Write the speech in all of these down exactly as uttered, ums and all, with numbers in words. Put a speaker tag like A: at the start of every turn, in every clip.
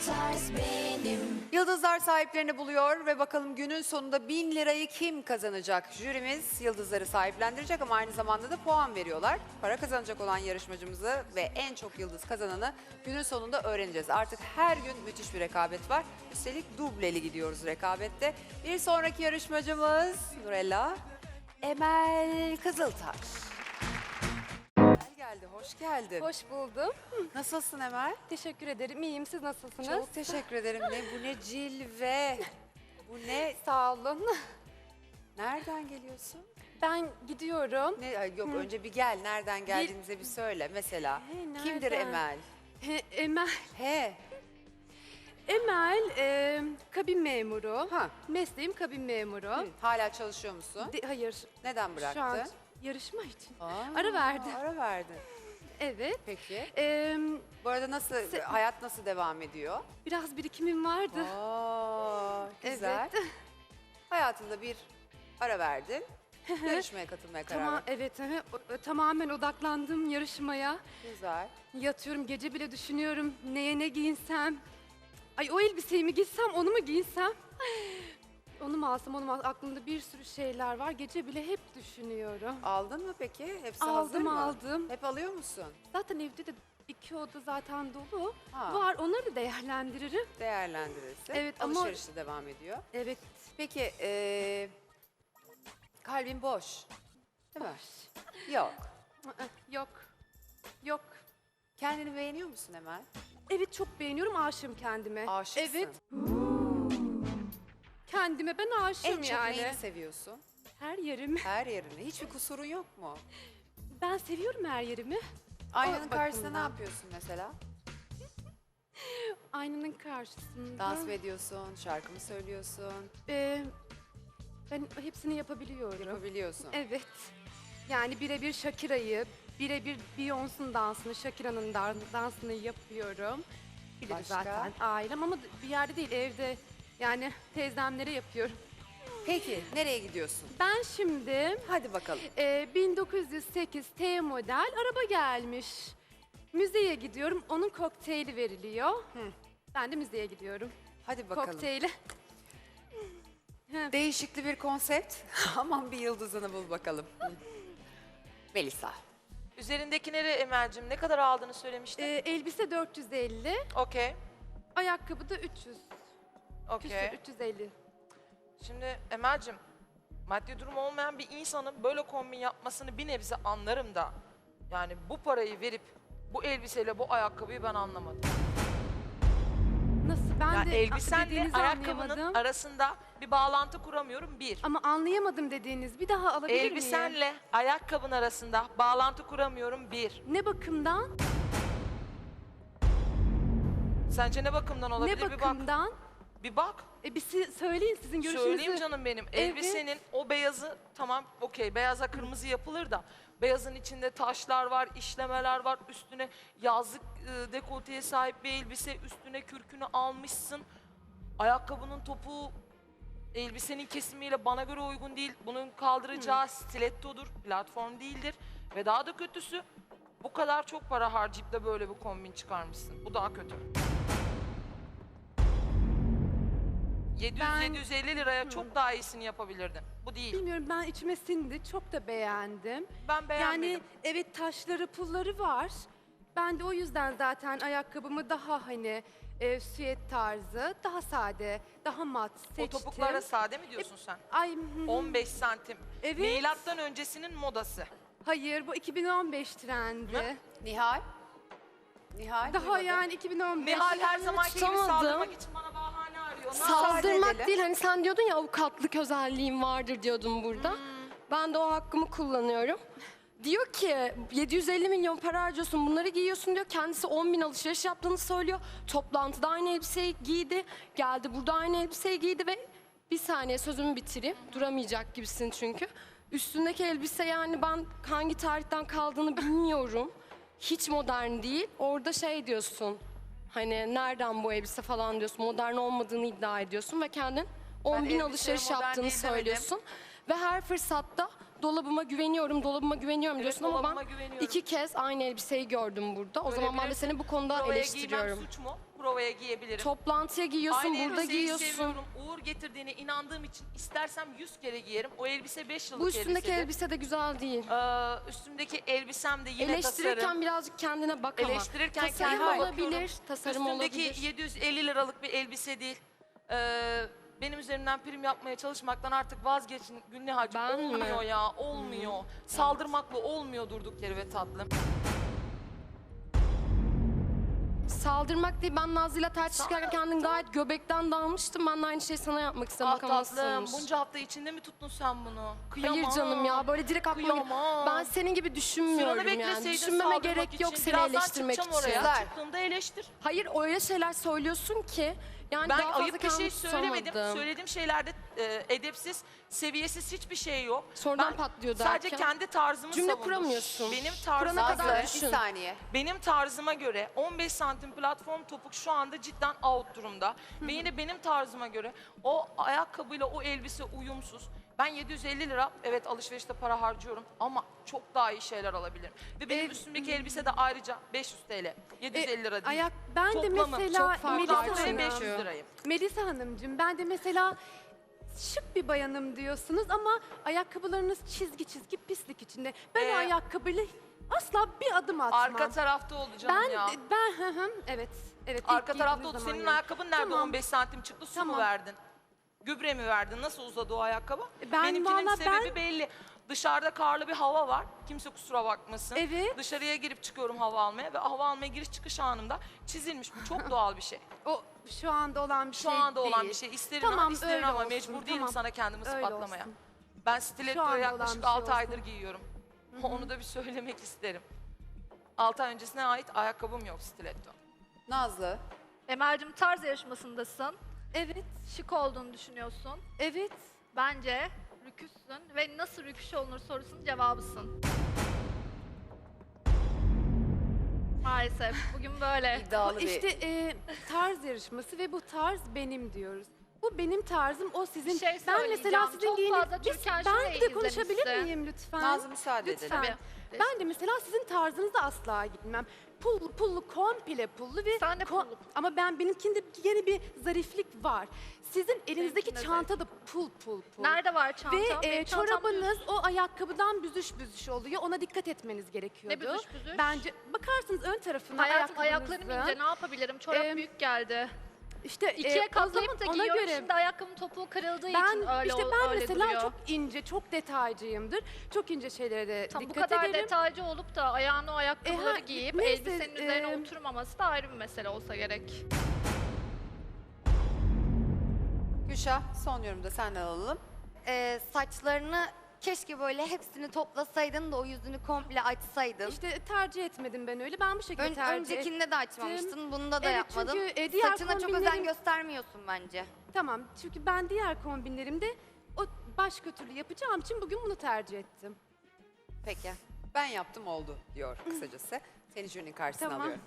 A: tarz benim.
B: Yıldızlar sahiplerini buluyor ve bakalım günün sonunda bin lirayı kim kazanacak? Jürimiz yıldızları sahiplendirecek ama aynı zamanda da puan veriyorlar. Para kazanacak olan yarışmacımızı ve en çok yıldız kazananı günün sonunda öğreneceğiz. Artık her gün müthiş bir rekabet var. Üstelik dubleli gidiyoruz rekabette. Bir sonraki yarışmacımız Nurella Emel Kızıltaş. Geldi, hoş geldin.
C: Hoş buldum.
B: Nasılsın Emel?
C: Teşekkür ederim. İyiyim. Siz nasılsınız?
B: Çok teşekkür ederim. Ne bu ne cilve. Bu ne?
C: Sağ olun.
B: Nereden geliyorsun?
C: Ben gidiyorum.
B: Ne ay yok önce bir gel. Nereden geldiğinize bir söyle mesela.
C: He,
B: Kimdir
C: nereden?
B: Emel?
C: He, Emel.
B: He.
C: Emel e, kabin memuru.
B: Ha.
C: Mesleğim kabin memuru.
B: Hı, hala çalışıyor musun?
C: De- hayır.
B: Neden bıraktın?
C: Şu an yarışma için.
B: Aa,
C: Ara verdi.
B: Ara verdin.
C: Evet.
B: Peki.
C: E,
B: Bu arada nasıl
C: Se-
B: hayat nasıl devam ediyor?
C: biraz birikimim vardı.
B: Aa, güzel.
C: Evet.
B: Hayatında bir ara verdin. Yarışmaya katılmaya karar
C: Tamam,
B: verdin.
C: evet. hı, o- Tamamen odaklandım yarışmaya.
B: Güzel.
C: Yatıyorum, gece bile düşünüyorum neye ne giyinsem. Ay o elbiseyi mi giysem, onu mu giysem? Onu mu alsam, onu mu alsam? Aklımda bir sürü şeyler var. Gece bile hep düşünüyorum.
B: Aldın mı peki? Hepsi hazır
C: Aldım
B: mı?
C: aldım.
B: Hep alıyor musun?
C: Zaten evde de iki oda zaten dolu.
B: Ha.
C: Var, onları da değerlendiririm.
B: Değerlendirirsin.
C: Evet, ama-
B: Alışveriş de devam ediyor.
C: Evet.
B: Peki eee kalbin boş. Değil mi?
C: Boş.
B: Yok.
C: Aa, Yok. Yok.
B: Kendini beğeniyor musun Emel?
C: Evet, çok beğeniyorum, aşığım kendime.
B: Aşıksın.
C: Evet, kendime ben aşığım
B: En çok
C: yani.
B: neyini seviyorsun?
C: Her yerimi.
B: Her yerini. Hiçbir kusurun yok mu?
C: Ben seviyorum her yerimi.
B: Aynanın
C: O
B: karşısında ne
C: bakımdan.
B: yapıyorsun mesela?
C: Aynanın karşısında.
B: Dans mı ediyorsun? Şarkı mı söylüyorsun?
C: Ee, ben hepsini yapabiliyorum.
B: Yapabiliyorsun.
C: Evet. Yani birebir Shakira'yı, birebir Beyoncé'nin dansını, Shakira'nın dan- dansını yapıyorum. Bilir
B: Başka?
C: zaten ailem ama bir yerde değil, evde. Yani teyzemlere yapıyorum.
B: Peki nereye gidiyorsun?
C: Ben şimdi
B: Hadi bakalım.
C: e, bin dokuz yüz sekiz T model araba gelmiş. Müzeye gidiyorum, onun kokteyli veriliyor. Ben de müzeye gidiyorum.
B: Hadi bakalım.
C: Kokteyli.
B: Değişikli bir konsept. Aman bir yıldızını bul bakalım. Melisa.
D: Üzerindekileri Emel'cim ne kadar aldığını söylemiştin.
C: Ee, elbise dört yüz elli,
D: Okey,
C: ayakkabı da üç yüz.
D: okey.
C: Küsür, üç yüz elli.
D: Şimdi Emel'cim maddi durum olmayan bir insanın böyle kombin yapmasını bir nebze anlarım da yani bu parayı verip bu elbiseyle bu ayakkabıyı ben anlamadım.
C: Nasıl? Ben
D: Yani
C: de
D: elbisenle
C: dediğinizi
D: ayakkabının
C: anlayamadım.
D: arasında bir bağlantı kuramıyorum bir.
C: Ama anlayamadım dediğiniz. Bir daha alabilir miyim?
D: Elbisenle ayakkabın arasında bağlantı kuramıyorum bir.
C: Ne bakımdan?
D: Sence ne bakımdan olabilir
C: Ne
D: bir bak.
C: bakımdan?
D: Bir bak.
C: E bir si- söyleyin sizin görüşünüzü.
D: Söyleyeyim canım benim.
C: Evet.
D: Elbisenin o beyazı tamam okey beyaza kırmızı yapılır da beyazın içinde taşlar var, işlemeler var. Üstüne yazlık e, dekolteye sahip bir elbise, üstüne kürkünü almışsın. Ayakkabının topuğu elbisenin kesimiyle bana göre uygun değil. Bunun kaldıracağı stilettodur, platform değildir. Ve daha da kötüsü bu kadar çok para harcayıp da böyle bir kombin çıkarmışsın. Bu daha kötü.
C: Ben-
D: yedi yüz yedi yüz elli liraya çok daha iyisini yapabilirdin. Bu değil.
C: Bilmiyorum, ben içime sindi. Çok da beğendim.
D: Ben beğenmedim.
C: Yani evet, taşları pulları var. Ben de o yüzden zaten ayakkabımı daha hani e, süet tarzı, daha sade, daha mat seçtim.
D: O topuklara sade mi diyorsun sen?
C: Ay, hı.
D: on beş santim.
C: Evet.
D: Milattan öncesinin modası.
C: Hayır, bu iki bin on beş trendi.
D: Ne?
B: Nihal. Nihal.
C: Daha
B: duymadım.
C: yani iki bin on beş.
D: Nihal her zamanki gibi
E: tutamadım.
D: saldırmak için bana bahane arıyor. Ne
E: Saldırmak
B: edelim.
E: değil, hani sen diyordun ya avukatlık özelliğim vardır diyordun burada. Ben de o hakkımı kullanıyorum. Diyor ki yedi yüz elli milyon para harcıyorsun, bunları giyiyorsun diyor. Kendisi on bin alışveriş yaptığını söylüyor. Toplantıda aynı elbiseyi giydi. Geldi burada aynı elbiseyi giydi ve bir saniye sözümü bitireyim. Duramayacak gibisin çünkü. Üstündeki elbise, yani ben hangi tarihten kaldığını bilmiyorum. Hiç modern değil. Orada şey diyorsun. Hani nereden bu elbise falan diyorsun. Modern olmadığını iddia ediyorsun ve kendin on bin
D: elbiseye
E: alışveriş
D: modern
E: yaptığını
D: değil demedim.
E: söylüyorsun. Ve her fırsatta dolabıma güveniyorum, dolabıma güveniyorum
D: Evet,
E: diyorsun ama
D: dolabıma
E: ben
D: güveniyorum.
E: iki kez aynı elbiseyi gördüm burada. O zaman ben de
D: Görebilirsin.
E: seni bu konuda
D: Provaya
E: eleştiriyorum.
D: giymem suç mu? provaya giyebilirim.
E: Toplantıya giyiyorsun,
D: Aynı
E: burada
D: elbiseyi
E: giyiyorsun.
D: seviyorum. Uğur getirdiğine inandığım için istersem yüz kere giyerim. O elbise beş yıllık
E: Bu üstündeki
D: elbisedir.
E: elbise de güzel değil.
D: Ee, üstümdeki elbisem de yine
E: Eleştirirken
D: tasarım.
E: birazcık kendine bak ama.
D: Eleştirirken
E: Tasarım
D: kendime
E: olabilir,
D: bakıyorum.
E: tasarım
D: Üstümdeki
E: olabilir.
D: yedi yüz elli liralık bir elbise değil. Ee, benim üzerimden prim yapmaya çalışmaktan artık vazgeçin Gülnihal'cığım.
E: Ben mi?
D: Olmuyor ya, olmuyor. Saldırmakla olmuyor durduk yere ve tatlım.
E: Saldırmak değil, ben Nazlı'yla tartışırken kendin gayet göbekten dalmıştın. Ben de aynı şeyi sana yapmak istedim.
D: Ah
E: Bakalım nasıl
D: tatlım,
E: olmuş.
D: bunca hafta içinde mi tuttun sen bunu? Kıyamam.
E: Hayır canım ya, böyle direkt aklıma gel-
D: Kıyamam.
E: Ben senin gibi düşünmüyorum
D: Sıranı
E: yani.
D: bekleseydin
E: Düşünmeme
D: saldırmak
E: gerek yok
D: için.
E: seni
D: Birazdan
E: eleştirmek için.
D: çıkacağım oraya.
B: Kızlar.
D: Çıktığında eleştir.
E: Hayır, öyle şeyler söylüyorsun ki. Yani
D: Ben
E: daha fazla
D: ayıp bir şey
E: kendimi
D: söylemedim.
E: tutamadım.
D: Söylediğim şeylerde e, edepsiz, seviyesiz hiçbir şey yok.
E: Sonradan
D: Ben
E: patlıyor
D: sadece
E: derken.
D: kendi tarzımı
E: Cümle
D: savundum.
E: kuramıyorsun.
D: Benim
E: Kurana
D: tarzıma
E: kadar
D: göre,
B: Nazlı
E: düşün.
B: bir saniye.
D: benim tarzıma göre on beş santim platform topuk şu anda cidden out durumda. Ve yine benim tarzıma göre o ayakkabıyla o elbise uyumsuz. Ben yedi yüz elli lira evet alışverişte para harcıyorum ama çok daha iyi şeyler alabilirim. Ve benim
C: E,
D: üstümdeki elbise de ayrıca beş yüz TL. yedi yüz elli lira değil.
C: Ayak, ben
D: Toplamı
C: de mesela
E: çok farklı
C: Melisa
D: Artı
E: Hanım.
D: beş
C: Hanım.
D: yüz lirayım.
C: Melisa Hanımcığım, ben de mesela şık bir bayanım diyorsunuz ama ayakkabılarınız çizgi çizgi pislik içinde. Ben
D: Ee,
C: o ayakkabıyla asla bir adım atmam.
D: Arka tarafta oldu canım
C: ben
D: ya.
C: ben hı hı evet. Evet. ilk
D: Arka tarafta
C: giydiğiniz
D: oldu.
C: zaman
D: Senin
C: yani.
D: ayakkabın nerede?
C: Tamam.
D: on beş santim çıktı. Su mu
C: Tamam.
D: verdin? Gübre mi verdin? Nasıl uzadı o ayakkabı?
C: Ben
D: Benimkinin
C: valla
D: sebebi
C: ben-
D: belli. Dışarıda karlı bir hava var. Kimse kusura bakmasın.
C: Evet.
D: Dışarıya girip çıkıyorum hava almaya ve hava almaya giriş çıkış anımda çizilmiş. Bu çok doğal bir şey.
C: O şu anda olan bir
D: Şu
C: şey
D: anda olan
C: değil.
D: bir şey. İsterim
C: Tamam,
D: ama isterim
C: öyle
D: ama
C: olsun,
D: mecbur değilim
C: tamam.
D: sana kendimi
C: Öyle
D: ispatlamaya.
C: olsun.
D: Ben
C: Şu
D: stilettoyu
C: anda
D: yaklaşık
C: olan bir şey
D: altı aydır
C: olsun.
D: giyiyorum. Onu da bir söylemek isterim. altı ay öncesine ait ayakkabım yok stiletto.
B: Nazlı.
F: Emel'cim tarz yarışmasındasın.
C: Evet.
F: Şık olduğunu düşünüyorsun.
C: Evet.
F: Bence rüküssün ve nasıl rüküş olunur sorusunun cevabısın. Maalesef bugün böyle.
B: İddialı
C: Bu
B: bir...
C: işte e, tarz yarışması ve bu tarz benim diyoruz. Bu benim tarzım, o sizin.
F: Bir şey
C: ben mesela
F: söyleyeceğim.
C: sizin
F: Çok
C: giyiniz...
F: fazla
C: Biz-
F: Türkan
C: Ben
F: Şoray'ı
C: bir de konuşabilir
F: izlemişsin.
C: miyim lütfen?
B: Nazlı müsaade
C: Lütfen.
B: edelim.
F: Tabii.
C: Ben de mesela sizin tarzınızda asla gitmem. Pullu pullu, komple pullu ve
F: Sen de
C: ko-
F: pullu.
C: ama ben benimkinde yeni bir zariflik var. Sizin elinizdeki
F: Benimkinde
C: çanta da pul pul pul.
F: Nerede var çantam?
C: Ve
F: Benim
C: e,
F: çantam
C: çorabınız o ayakkabıdan büzüş büzüş oluyor. Ona dikkat etmeniz gerekiyordu.
F: Ne büzüş büzüş?
C: Bence bakarsınız ön tarafına
F: Hayatım
C: ayakkabınızın.
F: ayaklarım ince ne yapabilirim? Çorap
C: Em,
F: büyük geldi.
C: İşte
F: İkiye
C: e, o
F: katlayıp
C: zaman
F: da
C: ona
F: giyiyorum.
C: göre
F: Şimdi ayakkabımın topuğu kırıldığı
C: ben
F: için öyle
C: işte
F: ol-
C: ben
F: öyle
C: mesela
F: duruyor.
C: çok ince, çok detaycıyımdır. Çok ince şeylere de
F: Tam bu
C: dikkat
F: kadar
C: ederim.
F: detaycı olup da ayağına o ayakkabıları
C: E, ha,
F: giyip
C: neyse,
F: elbisenin üzerine
C: e,
F: oturmaması da ayrı bir mesele olsa gerek.
B: Gülşah, son yorumda senden alalım.
G: Ee, saçlarını keşke böyle hepsini toplasaydın da o yüzünü komple açsaydın.
C: İşte tercih etmedim ben öyle. Ben bu şekilde
G: Ön-
C: tercih
G: öncekinde de açmamıştın, bunda da
C: Evet,
G: yapmadın.
C: çünkü, e, diğer
G: Saçına çok özen
C: kombinlerim-
G: göstermiyorsun bence.
C: Tamam, çünkü ben diğer kombinlerimde o başka türlü yapacağım için bugün bunu tercih ettim.
B: Peki. Ben yaptım oldu diyor kısacası. Seni jürinin karşısına
C: Tamam.
B: alıyorum.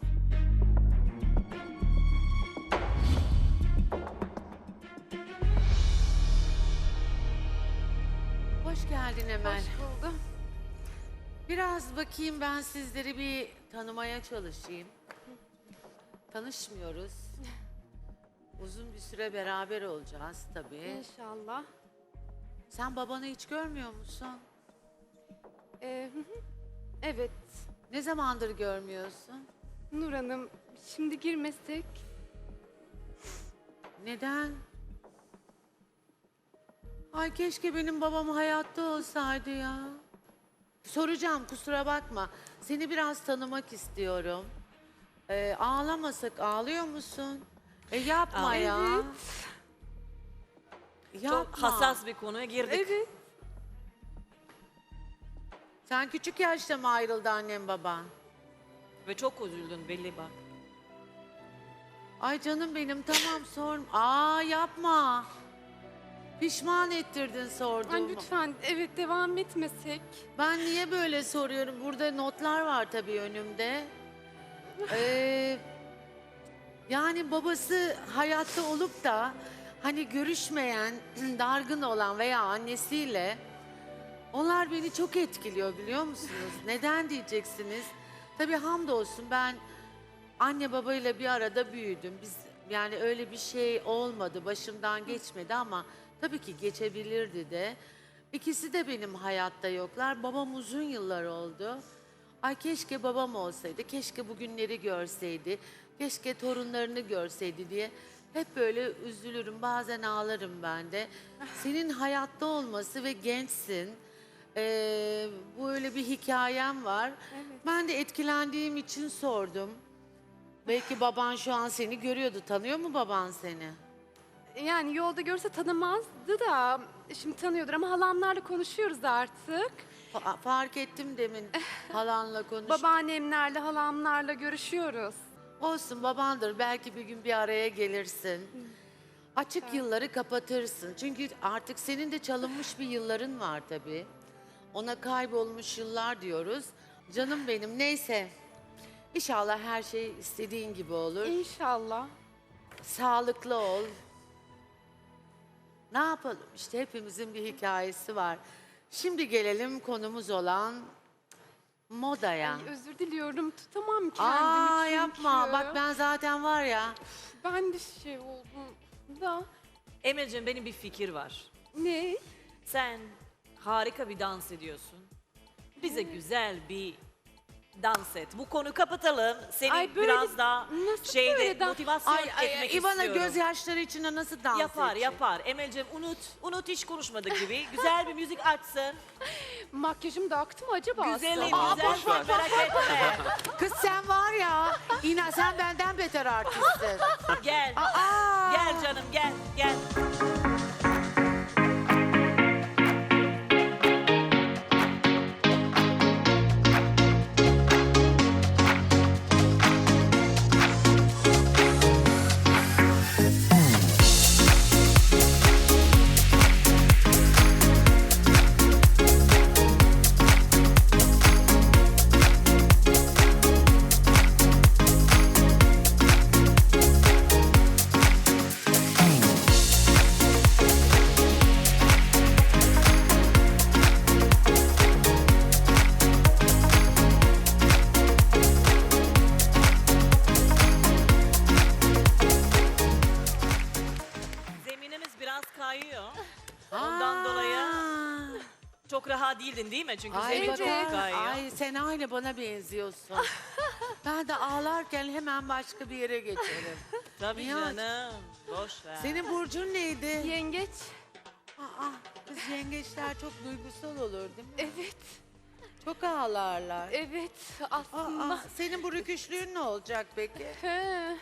H: Hoş geldin Emel.
C: Hoş buldum.
H: Biraz bakayım ben sizleri bir tanımaya çalışayım. Tanışmıyoruz. Uzun bir süre beraber olacağız tabii.
C: İnşallah.
H: Sen babanı hiç görmüyor musun?
C: Ee, hı hı. evet,
H: Ne zamandır görmüyorsun?
C: Nur Hanım, şimdi girmesek.
H: Neden? Ay keşke benim babam hayatta olsaydı ya. Soracağım kusura bakma. Seni biraz tanımak istiyorum. Ee, ağlamasak ağlıyor musun? E yapma ya. Yapma.
I: Çok hassas bir konuya girdik.
C: Evet.
H: Sen küçük yaşta mı ayrıldı annem baban?
I: Ve çok üzüldün belli bak.
H: Ay canım benim tamam sorm. Aa yapma. Pişman ettirdin
C: Ay,
H: sorduğumu.
C: lütfen, evet devam etmesek.
H: Ben niye böyle soruyorum? Burada notlar var tabii önümde. Ee, yani babası hayatta olup da hani görüşmeyen, dargın olan veya annesiyle onlar beni çok etkiliyor biliyor musunuz? Neden diyeceksiniz? Tabii hamdolsun ben anne babayla bir arada büyüdüm. Biz yani öyle bir şey olmadı, başımdan geçmedi ama tabii ki geçebilirdi de. İkisi de benim hayatta yoklar. Babam uzun yıllar oldu. Ay keşke babam olsaydı, keşke bugünleri görseydi, keşke torunlarını görseydi diye hep böyle üzülürüm. Bazen ağlarım ben de. Senin hayatta olması ve gençsin. Ee, böyle bir hikayem var. Ben de etkilendiğim için sordum. Belki baban şu an seni görüyordu. Tanıyor mu baban seni?
C: Yani yolda görse tanımazdı da şimdi tanıyordur ama halamlarla konuşuyoruz artık.
H: Fa- fark ettim demin halanla konuş.
C: Babaannemlerle, halamlarla görüşüyoruz.
H: Olsun babandır. Belki bir gün bir araya gelirsin. Açık yılları kapatırsın. Çünkü artık senin de çalınmış bir yılların var tabii. Ona kaybolmuş yıllar diyoruz. Canım benim neyse. İnşallah her şey istediğin gibi olur.
C: İnşallah.
H: Sağlıklı ol. Ne yapalım işte hepimizin bir hikayesi var. Şimdi gelelim konumuz olan modaya.
C: Ay, özür diliyorum tutamam kendimi
H: Aa
C: çünkü.
H: yapma bak ben zaten var ya.
C: Ben de şey oldum da.
I: Emel'cim benim bir fikir var.
C: Ne?
I: Sen harika bir dans ediyorsun. Bize güzel bir dans et. Bu konuyu kapatalım. Seni
C: Ay, böyle-
I: biraz daha
C: nasıl
I: şeyde
C: böyle dans-
I: motivasyon
H: Ay, ay,
I: etmek
H: İvana
I: istiyorum.
H: gözyaşları içinde nasıl dans
I: Yapar
H: edecek?
I: yapar. Emel'cim unut. Unut hiç konuşmadık gibi. Güzel bir müzik açsın.
C: Makyajım da aktı mı acaba?
I: Güzelim
C: aslında?
I: güzel sen merak etme.
H: Kız sen var ya, İna sen benden beter artistsin.
I: Gel.
H: Aa!
I: Gel canım gel gel. Zeminimiz biraz kayıyor. Ondan dolayı
H: Aa!
I: çok rahat değildin değil mi? Çünkü
H: Ay,
I: zemin
H: bak-
I: çok kayıyor.
H: ay sen aynı bana benziyorsun. Ben de ağlarken hemen başka bir yere geçerim.
I: Tabii
H: Ya.
I: canım. Boş ver.
H: Senin burcun neydi?
C: Yengeç.
H: Aa, kız yengeçler çok duygusal olur değil mi?
C: Evet.
H: Çok ağlarlar.
C: Evet aslında.
H: Aa, senin bu rüküşlüğün ne olacak peki?
C: He.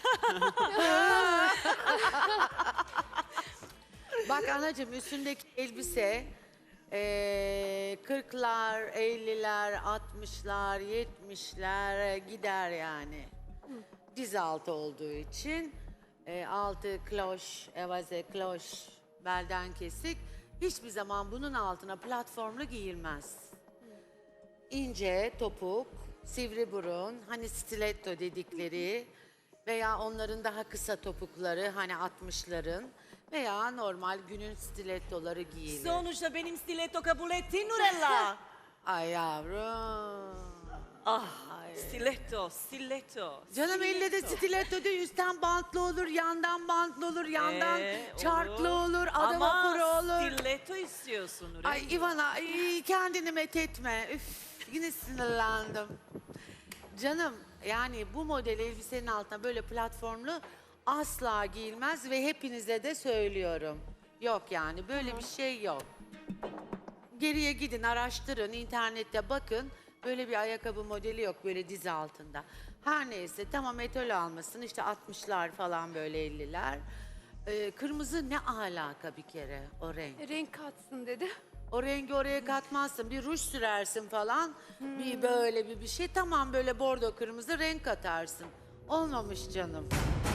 H: Bak anacığım üstündeki elbise eee, kırklar, elliler, altmışlar, yetmişler gider yani. Diz altı olduğu için eee, altı kloş, evaze kloş, belden kesik. Hiçbir zaman bunun altına platformlu giyilmez. İnce topuk, sivri burun, hani stiletto dedikleri veya onların daha kısa topukları hani altmışların veya normal günün stilettoları giyilir.
I: Sonuçta benim stiletto kabul ettin Nurella.
H: Ay yavrum.
I: Ah, stiletto, stiletto.
H: Canım elle de
I: stiletto.
H: stiletto değil, üstten bantlı olur, yandan bantlı olur, yandan
I: Ee,
H: çarklı olur, adam
I: Ama
H: vapuru olur.
I: stiletto istiyorsun Nurella.
H: Ay Ivana, ay, kendini methetme. Üf, yine sinirlendim. Canım, yani bu model elbisenin altına böyle platformlu asla giyilmez ve hepinize de söylüyorum. Yok yani, böyle bir şey yok. Geriye gidin, araştırın, internette bakın. Böyle bir ayakkabı modeli yok, böyle diz altında. Her neyse, tamam etol almasın, işte altmışlar falan böyle elliler. Ee, kırmızı ne alaka bir kere o renk?
C: Renk katsın dedi.
H: O rengi oraya katmazsın. Bir ruj sürersin falan. Bir böyle bir bir şey. Tamam böyle bordo kırmızı renk katarsın. Olmamış canım.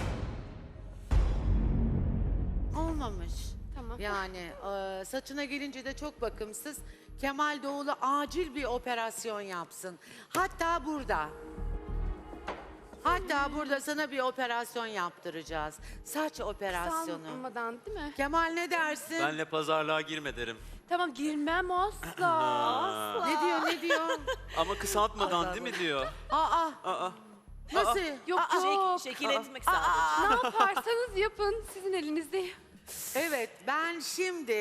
H: Olmamış.
C: Tamam.
H: Yani e, saçına gelince de çok bakımsız. Kemal Doğulu acil bir operasyon yapsın. Hatta burada. Hatta burada sana bir operasyon yaptıracağız. Saç operasyonu.
C: Sanmadan değil mi?
H: Kemal ne dersin?
J: Benle pazarlığa girme derim.
C: Tamam girmem asla. asla.
H: Ne diyor ne diyor?
J: Ama kısaltmadan değil mi diyor?
H: Aa
J: Aa,
H: Nasıl?
C: Yok
I: Şek-
C: yok.
I: şekil etmek sadece.
C: Ne yaparsanız yapın. Sizin elinizde.
H: Evet, ben şimdi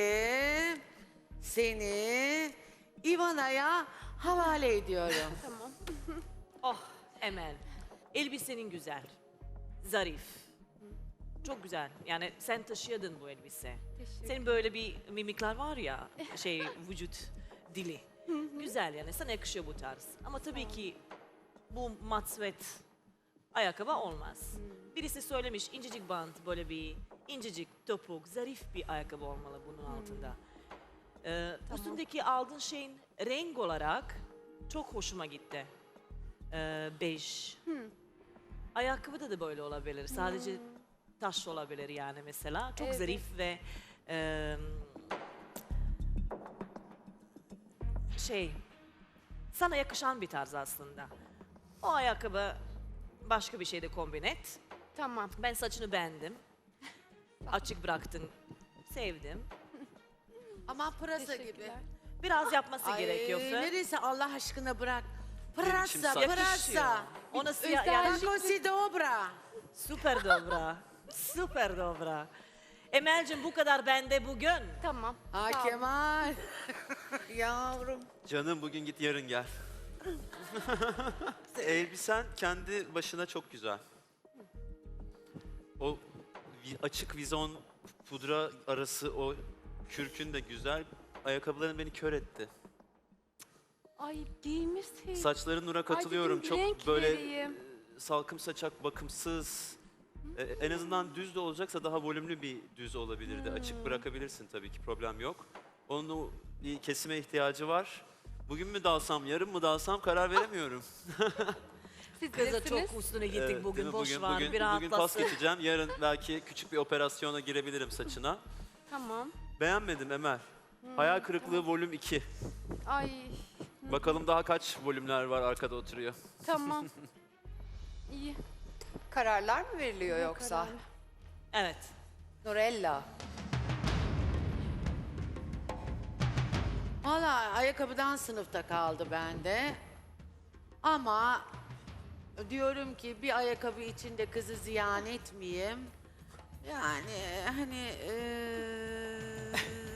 H: seni Ivana'ya havale ediyorum.
C: Tamam.
I: Oh Emel, elbisenin güzel, zarif. Çok güzel. Yani sen taşıyordun bu elbise.
C: Teşekkür.
I: Senin böyle bir mimikler var ya, şey vücut dili. Güzel yani, sana yakışıyor bu tarz. Ama tabii ki bu mat sweat ayakkabı olmaz. Birisi söylemiş incecik bant, böyle bir incecik topuk, zarif bir ayakkabı olmalı bunun altında. Ee, Üstündeki aldığın şeyin renk olarak çok hoşuma gitti. Ee, bej. Ayakkabıda da böyle olabilir. Sadece taş olabilir yani mesela. Çok
C: Evet.
I: zarif ve e, şey sana yakışan bir tarz aslında. O ayakkabı başka bir şeyde kombin et.
C: Tamam.
I: Ben saçını beğendim. Açık bıraktın. Sevdim.
H: Ama pırasa gibi.
C: Teşekkürler.
I: Biraz yapması
H: Ay,
I: gerekiyor.
H: neresi Allah aşkına bırak.
J: Benim için
H: Pırasa,
J: saç-
H: pırasa.
I: Ona siyah
C: Özel-
I: yani
H: Tako si dobra.
I: süper dobra. Süper dobra. Emel'cim bu kadar bende bugün.
C: Tamam.
H: Ha
C: Sağ ol.
H: Kemal. Yavrum.
J: Canım bugün git yarın gel. Elbisen kendi başına çok güzel. O vi- açık vizon pudra arası o kürkün de güzel. Ayakkabıların beni kör etti.
C: Ay giymişsin.
J: Saçların Nur'a katılıyorum.
C: dedim,
J: Çok
C: renk
J: böyle
C: vereyim.
J: e, salkım saçak, bakımsız. E, en azından düz de olacaksa daha volümlü bir düz olabilirdi. Açık bırakabilirsin tabii ki, problem yok. Onun o bir kesime ihtiyacı var. Bugün mü dalsam, yarın mı dalsam karar veremiyorum.
C: Siz
I: Kıza
C: bilirsiniz.
I: çok üstüne gittik
J: Evet, değil
I: bugün.
J: mi?
I: Boş
J: bugün,
I: var.
J: bugün,
I: bir
J: bugün pas
I: rahatlasın.
J: geçeceğim. Yarın belki küçük bir operasyona girebilirim saçına.
C: Tamam.
J: Beğenmedim Emel. Hayal kırıklığı volüm iki.
C: Ay
J: Bakalım daha kaç volümler var arkada oturuyor.
C: tamam. İyi.
B: Kararlar mı veriliyor yoksa?
C: Karar.
I: Evet.
B: Nurella.
H: Valla ayakkabıdan sınıfta kaldı bende. Ama diyorum ki bir ayakkabı içinde kızı ziyan etmeyeyim. Yani hani eee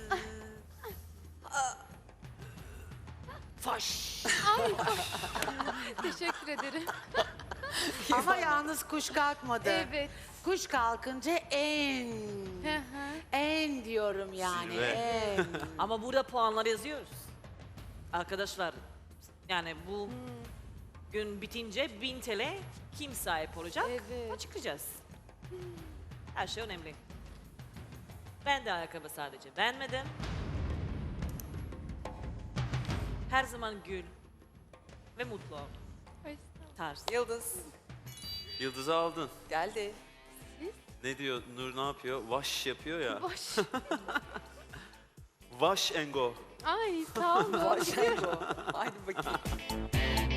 H: Faş.
C: Teşekkür ederim.
H: Ama yalnız kuş kalkmadı.
C: Evet.
H: Kuş kalkınca en.
C: Hı hı.
H: En diyorum yani.
J: Zirve.
H: En.
I: Ama burada puanlar yazıyoruz. Arkadaşlar yani bu gün bitince bin T L kim sahip olacak?
C: Evet.
I: Açıklayacağız. Her şey önemli. Ben de ayakkabı sadece beğenmedim. Her zaman gül ve mutlu ol.
C: Ay,
I: Tarz.
B: Yıldız.
J: Yıldız'ı aldın.
B: Geldi.
J: Ne diyor Nur, ne yapıyor? Vaş yapıyor ya.
C: Boş.
J: Wash and go.
C: Ay sağ olun.
B: Başengo. Haydi bakayım.